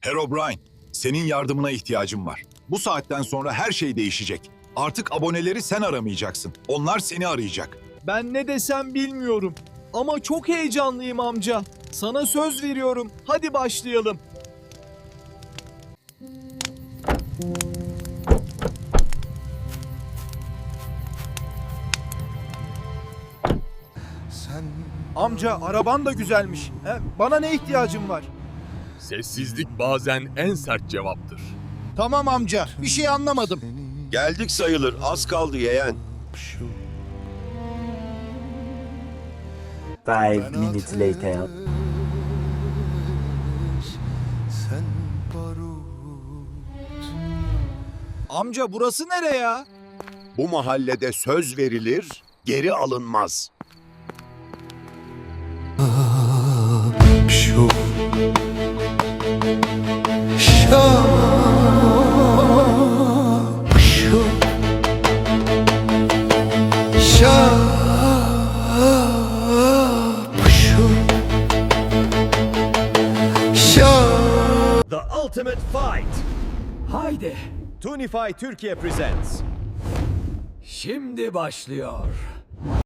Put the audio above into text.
Herobrine, senin yardımına ihtiyacım var. Bu saatten sonra her şey değişecek. Artık aboneleri sen aramayacaksın. Onlar seni arayacak. Ben ne desem bilmiyorum. Ama çok heyecanlıyım amca. Sana söz veriyorum. Hadi başlayalım. Amca araban da güzelmiş. Bana ne ihtiyacın var? Sessizlik bazen en sert cevaptır. Tamam amca, bir şey anlamadım. Geldik sayılır, az kaldı yeğen. 5 minutes later. Amca burası nere ya? Bu mahallede söz verilir, geri alınmaz. The Ultimate Fight. Haydi. Tunify Türkiye Presents. Şimdi başlıyor.